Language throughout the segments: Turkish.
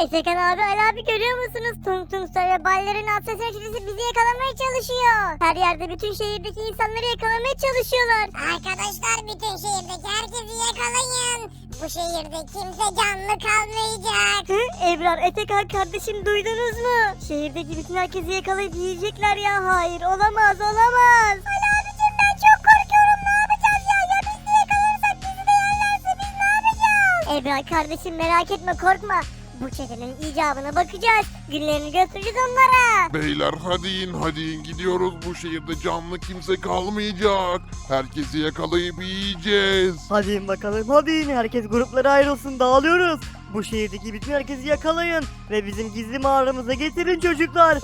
Efekan abi, Ali abi görüyor musunuz? Tung Tung Sör ve Ballerin Asasın Çetesi bizi yakalamaya çalışıyor. Her yerde bütün şehirdeki insanları yakalamaya çalışıyorlar. Arkadaşlar bütün şehirdeki herkesi yakalayın. Bu şehirde kimse canlı kalmayacak. Hı? Ebrar, Efekan kardeşim, duydunuz mu? Şehirdeki bütün herkesi yakalayıp yiyecekler ya. Hayır, olamaz olamaz. Ali abicim ben çok korkuyorum, ne yapacağız ya? Ya biz de yakalanırsak bizi de yerlerse biz ne yapacağız? Ebrar kardeşim, merak etme, korkma. Bu çetenin icabına bakacağız. Günlerini göstereceğiz onlara. Beyler hadi in gidiyoruz, bu şehirde canlı kimse kalmayacak. Herkesi yakalayıp yiyeceğiz. Hadi in bakalım, hadi in. Herkes gruplara ayrılsın, dağılıyoruz. Bu şehirdeki bütün herkesi yakalayın ve bizim gizli mağaramıza getirin çocuklar.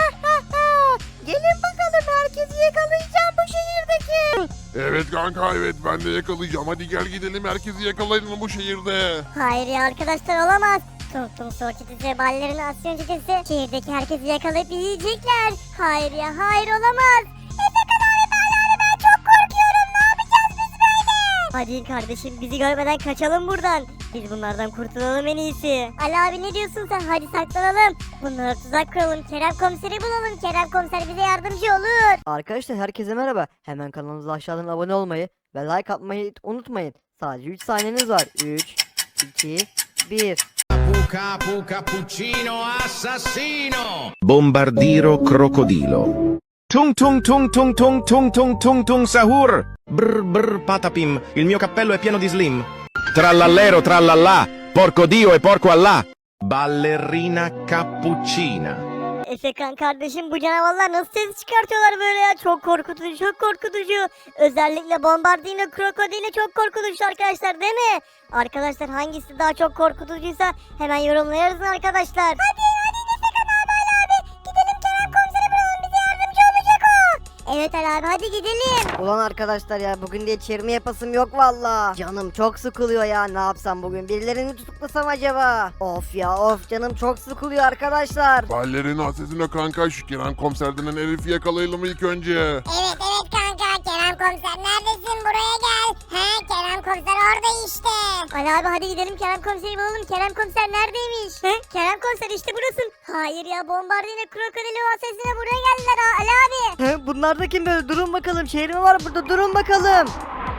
Gelin bakalım, herkesi yakalayacağım bu şehirdeki. Evet kanka, evet ben de yakalayacağım. Hadi gel gidelim, herkesi yakalayın bu şehirde. Hayır ya arkadaşlar, olamaz. Tung Tung Sor Çetesi ve Ballerin Asyon Çetesi şehirdeki herkesi yakalayıp yiyecekler. Hayır ya, hayır, olamaz. Efekan abi, ben çok korkuyorum, ne yapacağız biz böyle? Hadi kardeşim, bizi görmeden kaçalım buradan. Biz bunlardan kurtulalım en iyisi. Ali abi, ne diyorsun sen? Hadi saklanalım. Bunlara tuzak kuralım. Kerem komiseri bulalım. Kerem komiser bize yardımcı olur. Arkadaşlar herkese merhaba. Hemen kanalımıza aşağıdan abone olmayı ve like atmayı unutmayın. Sadece 3 saniyeniz var. 3, 2, 1. Capu cappuccino assassino. Bombardiro crocodilo. Tung tung tung tung tung tung tung tung tung sahur. Brr brr patapim, il mio cappello è pieno di slim. Trallallero trallallà, porco Dio e porco Allah. Ballerina cappuccina. Efekan kardeşim, bu canavarlar nasıl ses çıkartıyorlar böyle ya? Çok korkutucu, çok korkutucu. Özellikle Bombardino Krokodili çok korkutucu arkadaşlar, değil mi? Arkadaşlar hangisi daha çok korkutucuysa hemen yorumlara yazın arkadaşlar. Hadi Efekan abi, Ali abi gidelim, Kerem komiseri bulalım, bize yardımcı olacak o. Evet Ali abi, hadi gidelim. Ulan arkadaşlar ya, bugün diye çevirme yapasım yok valla. Canım çok sıkılıyor ya, ne yapsam bugün, birilerini mi tutuklasam acaba? Of ya of, canım çok sıkılıyor arkadaşlar. Ballerin asesine kanka, şu Kerem komiser denen herifi yakalayalım ilk önce. Evet kanka, Kerem komiser neredesin, buraya gel. He, Kerem komiser orada işte. Ali abi, hadi gidelim, Kerem komiseri bulalım. Kerem komiser neredeymiş? He? Kerem komiser işte burasın. Hayır ya, Bombardino Krokodili sesine buraya geldiler ha Ali abi. He, bunlar da kim böyle? Durun bakalım, şehir mi var burada, durun bakalım.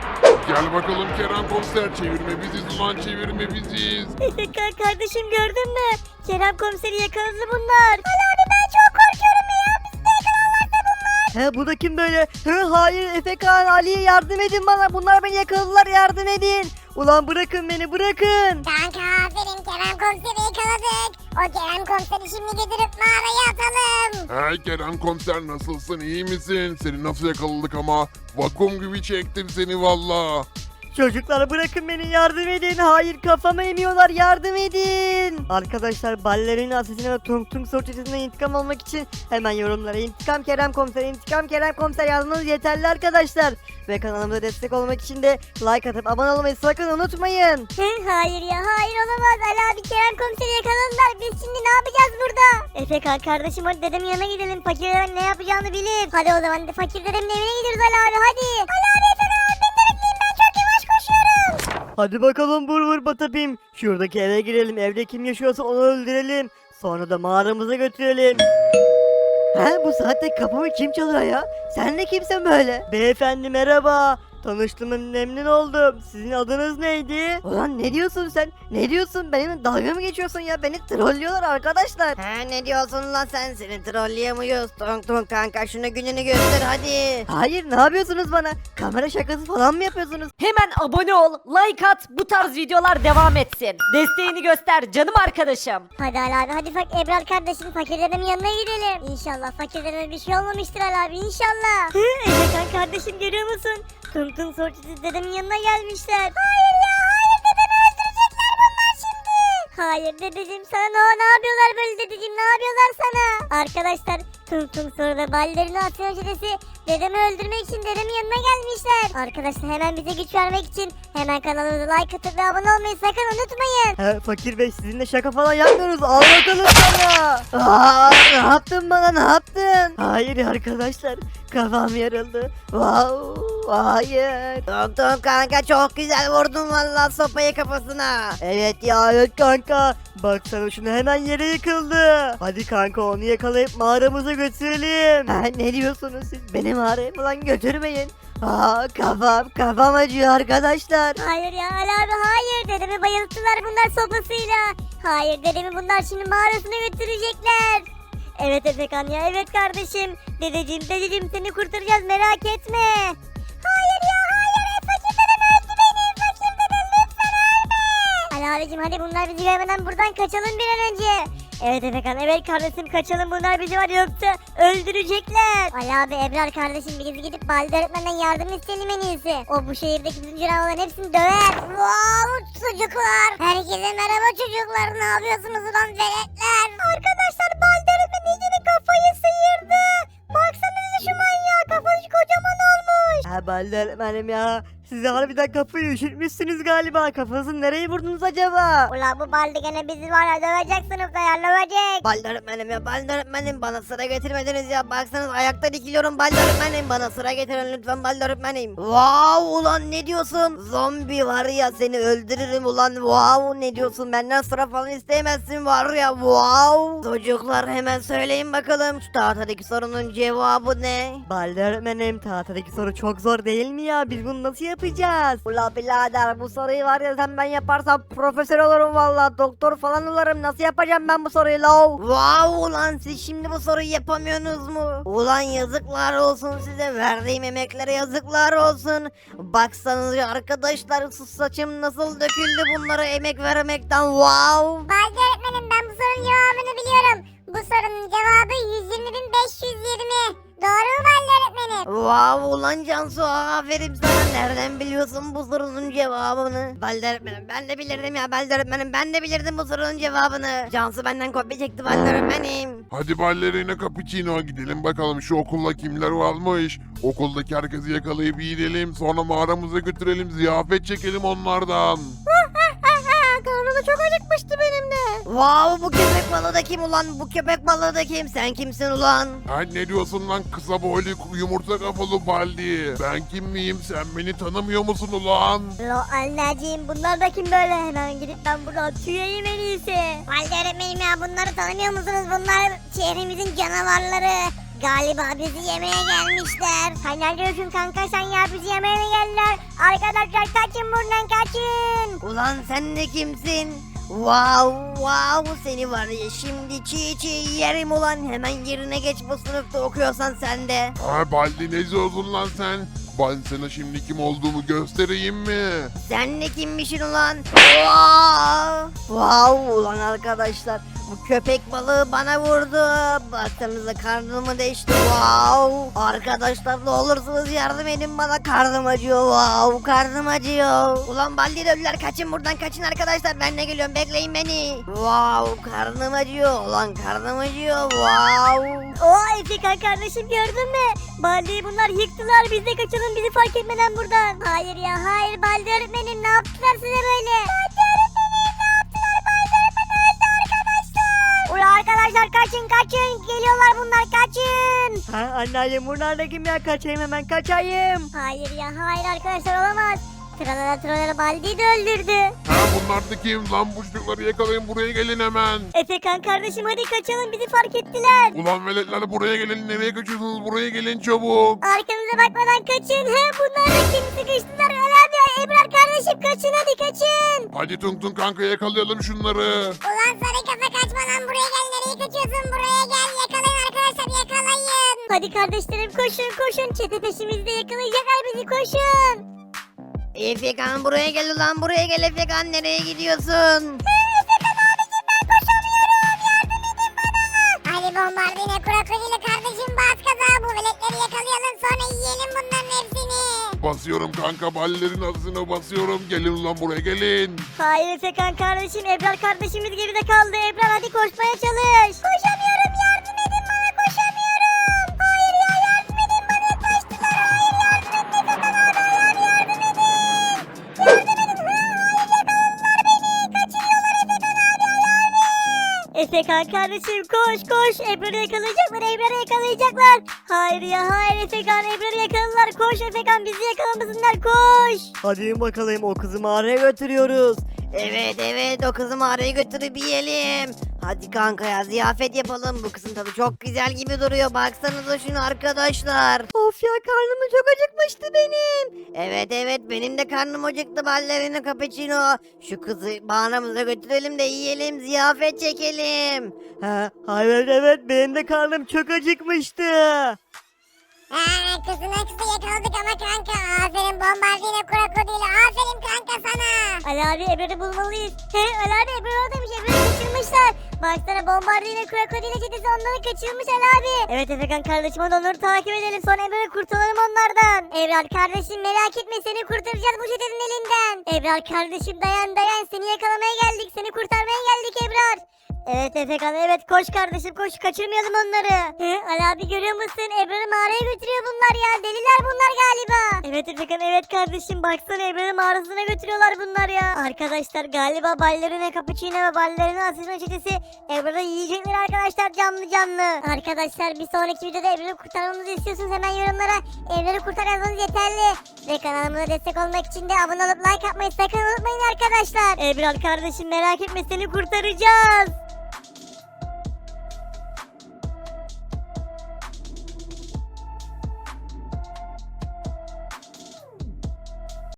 Gel bakalım Kerem komiser, çevirme biziz ulan, çevirme biziz. Efekan kardeşim, gördün mü? Kerem komiseri yakaladı bunlar. Ali abi ben çok korkuyorum ya, bizi de yakalarlarsa bunlar. He, bu da kim böyle? He, hayır, Efekan, Ali'ye yardım edin bana, bunlar beni yakaladılar, yardım edin. Ulan bırakın beni, bırakın. Kanka aferin, Kerem komiseri yakaladık. O Kerem komiseri şimdi götürüp mağaraya atalım. Hey Kerem komiser, nasılsın, iyi misin? Seni nasıl yakaladık ama? Vakum gibi çektim seni valla. Çocuklar bırakın beni, yardım edin. Hayır, kafama emiyorlar, yardım edin. Arkadaşlar, Ballerina Asesine ve Tung Tung Sor Çetesi'nden intikam almak için hemen yorumlara intikam Kerem Komiser, intikam Kerem Komiser yazmanız yeterli arkadaşlar. Ve kanalımıza destek olmak için de like atıp abone olmayı sakın unutmayın. Hayır ya, hayır, olamaz. Ali abi, Kerem komiseri yakaladılar. Biz şimdi ne yapacağız burada? Efekan kardeşim, hadi dedemin yanına gidelim. Fakir dedem ne yapacağını bilir. Hadi o zaman fakir dedemin evine gidiyoruz Ali abi, hadi. Ali abi Efekan abi beni de bekleyin, ben çok yavaş koşuyorum. Hadi bakalım, vur vur Batapim. Şuradaki eve girelim, evde kim yaşıyorsa onu öldürelim. Sonra da mağaramıza götürelim. He, bu saatte kapımı kim çalıyor ya? Sen de kimsin böyle? Beyefendi merhaba. Tanıştığıma memnun oldum. Sizin adınız neydi? Ulan ne diyorsun sen? Ne diyorsun? Benimle dalga mı geçiyorsun ya? Beni trollüyorlar arkadaşlar. He, ne diyorsun lan sen? Seni trolleyemiyoruz. Tung tung kanka, şunu gününü göster hadi. Hayır, ne yapıyorsunuz bana? Kamera şakası falan mı yapıyorsunuz? Hemen abone ol, like at, bu tarz videolar devam etsin. Desteğini göster canım arkadaşım. Hadi Ali abi, hadi Ebrar kardeşim, fakir dedemin yanına gidelim. İnşallah fakir dedeme bir şey olmamıştır Ali abi, inşallah. Efekan kardeşim, görüyor musun? Tung Tung Sor Çetesi dedemin yanına gelmişler. Hayır ya, hayır, dedemi öldürecekler bunlar şimdi. Hayır dedeciğim, sana ne yapıyorlar böyle dedeciğim, ne yapıyorlar sana? Arkadaşlar, Tung Tung Sor ve Ballerina Asyon Çetesi dedemi öldürmek için dedemin yanına gelmişler. Arkadaşlar, hemen bize güç vermek için hemen kanalımıza like atıp ve abone olmayı sakın unutmayın. He, fakir bey, sizinle şaka falan yapmıyoruz. Al bakalım sana. Aa, ne yaptın bana, ne yaptın? Hayır arkadaşlar, kafam yarıldı. Wow, hayır. Tung kanka çok güzel vurdun vallahi sopayı kafasına. Evet ya, evet kanka. Baksana şunu, hemen yere yıkıldı. Hadi kanka onu yakalayıp mağaramıza götürelim. Ha, ne diyorsunuz siz? Beni mağaraya falan götürmeyin. Aa, kafam acıyor arkadaşlar. Hayır ya Ali abi hayır. Dedemi bayılttılar bunlar sopasıyla. Hayır dedemi bunlar şimdi mağarasına götürecekler. Evet Efekan ya evet kardeşim. Dedeciğim seni kurtaracağız merak etme. Hayır ya hayır. Fakir dedem öldü benim. Fakir dedem lütfen ölme. Ali abicim hadi bunlar bizi görmeden buradan kaçalım bir an önce. Evet Efekan evet kardeşim kaçalım bunlar bizi var yoksa öldürecekler. Ali abi Ebrar kardeşim biz gidip Baldi öğretmenden yardım isteyelim en iyisi. O bu şehirdeki bütün canavarların hepsini döver. Wow çocuklar. Herkese merhaba çocuklar. Ne yapıyorsunuz lan veletler? Arkadaşlar Baldi öğretmen iyicene kafayı sıyırdı. Baksanıza şu manyağa kafası kocaman olmuş. Ha Baldi öğretmenim ya. Siz harbiden kafayı üşütmüşsünüz galiba. Kafanızı nereye vurdunuz acaba? Ulan bu Baldi gene bizi var ya dövecek sınıfta ya dövecek. Baldi öğretmenim ya, Baldi öğretmenim bana sıra getirmediniz ya. Baksanız ayakta dikiliyorum Baldi öğretmenim. Bana sıra getirin lütfen Baldi öğretmenim. Wow ulan ne diyorsun? Zombi var ya seni öldürürüm ulan. Wow ne diyorsun? Benden sıra falan isteyemezsin var ya. Wow. Çocuklar hemen söyleyin bakalım. Şu tahtadaki sorunun cevabı ne? Baldi öğretmenim tahtadaki soru çok zor değil mi ya? Biz bunu nasıl yapacağız? Ula birader bu soruyu var ya sen ben yaparsam profesör olurum valla. Doktor falan olurum. Nasıl yapacağım ben bu soruyu la? Wow ulan siz şimdi bu soruyu yapamıyorsunuz mu? Ulan yazıklar olsun size. Verdiğim emeklere yazıklar olsun. Baksanıza arkadaşlar sus saçım nasıl döküldü bunlara emek vermekten. Wow. Baldi öğretmenim ben bu sorunun cevabını biliyorum. Bu sorunun cevabı 120.520. Doğru mu Baldi öğretmenim? Wow ulan Cansu aferin sana. Nereden biliyorsun bu sorunun cevabını? Baldi öğretmenim ben de bilirdim ya Baldi öğretmenim. Ben de bilirdim bu sorunun cevabını. Cansu benden kopya çekti Baldi öğretmenim. Hadi ballerina cappuccino gidelim bakalım şu okulda kimler varmış. Okuldaki herkesi yakalayıp yiyelim. Sonra mağaramıza götürelim. Ziyafet çekelim onlardan. Karnım çok acıkmıştı benim de. Wow bu köpek balığı da kim ulan? Bu köpek balığı da kim? Sen kimsin ulan? Ha ne diyorsun lan kısa boylu yumurta kafalı baldi? Ben kim miyim sen beni tanımıyor musun ulan? Lo anneciğim bunlar da kim böyle hemen gidip ben buradan tüyeyim en iyisi. Baldi öğretmenim ya bunları tanımıyor musunuz? Bunlar şehrimizin canavarları. Galiba bizi yemeye gelmişler. Sen ne diyorsun kanka sen ya bizi yemeye mi geldiler? Arkadaşlar kaçın buradan kaçın. Ulan sen de kimsin? Wow seni var ya şimdi çiğ yerim ulan. Hemen yerine geç bu sınıfta okuyorsan sen de. Ha baldi ne diyorsun lan sen? Ben sana şimdi kim olduğumu göstereyim mi? Sen de kimmişsin ulan? Wow ulan arkadaşlar. Bu köpek balığı bana vurdu. Baksanıza karnımı deşti. Wow. Arkadaşlar ne olursunuz yardım edin bana. Karnım acıyor. Wow karnım acıyor. Ulan baldi dövdüler. Kaçın buradan kaçın arkadaşlar. Ben de geliyorum bekleyin beni. Wow karnım acıyor. Ulan karnım acıyor. Wow. Oo Efekan kardeşim gördün mü? Baldi'yi bunlar yıktılar biz de kaçalım bizi fark etmeden buradan. Hayır ya hayır Baldi öğretmenim ne yaptılar size böyle? Baldi öğretmenim ne yaptılar Baldi öğretmenim öldü arkadaşlar. Ulan arkadaşlar kaçın geliyorlar bunlar kaçın. Ha anneannem bunlar da kim ya? Kaçayım hemen kaçayım. Hayır ya hayır arkadaşlar olamaz. Tralala Baldi'yi de öldürdü. Ha bunlar da kim lan bu çocukları yakalayın buraya gelin hemen. Efekan kardeşim hadi kaçalım bizi fark ettiler. Ulan veletler buraya gelin nereye kaçıyorsunuz buraya gelin çabuk. Arkanıza bakmadan kaçın. He bunlar da kim sıkıştılar. Ali abi Ebrar kardeşim kaçın hadi kaçın. Hadi Tung Tung kanka yakalayalım şunları. Ulan sarı kafa kaçma lan buraya gel. Nereye kaçıyorsun? Buraya gel. Yakalayın arkadaşlar yakalayın. Hadi kardeşlerim koşun. Çete peşimizde yakalayacaklar bizi koşun. Efekan buraya gel ulan buraya gel Efekan nereye gidiyorsun? Ali bombardine krokodili kardeşim bas kaza. Bu veletleri yakalayalım sonra yiyelim bunların hepsini. Basıyorum kanka ballerin arasına basıyorum. Gelin ulan buraya gelin. Hayır Efekan kardeşim Ebrar kardeşimiz geride kaldı. Ebrar hadi koşmaya çalış. Koşamıyorum yardım edin bana koşamıyorum. Hayır ya yardım edin bana kaçtılar. Hayır yardım edin Efekan abi yardım edin. Yardım edin. Hayır yakaladılar beni. Kaçırıyorlar Efekan abi abi. Efekan kardeşim koş koş. Ebrar'ı yakalayacaklar. Ebrar'ı yakalayacaklar. Hayır ya hayır Efekan. Ebrar'ı yakaladılar. Koş Efekan bizi yakalamasınlar koş. Hadi bakalım o kızı mağaraya götürüyoruz. Evet o kızı mağaraya götürüp yiyelim. Hadi kanka ya ziyafet yapalım. Bu kızın tadı çok güzel gibi duruyor. Baksanıza şunu arkadaşlar. Of ya karnım çok acıkmıştı benim. Evet benim de karnım acıktı ballerina cappuccino. Şu kızı mağaramıza götürelim de yiyelim ziyafet çekelim. Ha, evet benim de karnım çok acıkmıştı. Kızı yakaladık ama kanka. Aferin bombardino krokodili. Aferin kanka sana. Ali abi Ebrar'ı bulmalıyız. He Ali abi Ebrar oradaymış. Ebrar'ı kaçırmışlar. Baksana bombardino krokodili çetesi onları kaçırmış Ali abi. Evet Efekan kardeşim hadi onları takip edelim. Sonra Ebrar'ı kurtaralım onlardan. Ebrar kardeşim merak etme seni kurtaracağız bu çetenin elinden. Ebrar kardeşim dayan seni yakalamaya geldik. Seni kurtarmaya geldik Ebrar. Evet Efekan evet koş kardeşim koş kaçırmayalım onları. Ali abi görüyor musun Ebrar'ı mağaraya götürüyor bunlar ya deliler bunlar galiba. Evet Efekan evet kardeşim baksana Ebrar'ı mağarasına götürüyorlar bunlar ya. Arkadaşlar galiba ballerina cappuccino ve ballerina asistan çetesi Ebrar'ı yiyecekler arkadaşlar canlı. Arkadaşlar bir sonraki videoda Ebrar'ı kurtarmamızı istiyorsunuz hemen yorumlara Ebrar'ı kurtar yazmanız yeterli. Ve kanalımıza destek olmak için de abone olup like atmayı sakın unutmayın arkadaşlar. Ebrar kardeşim merak etme seni kurtaracağız.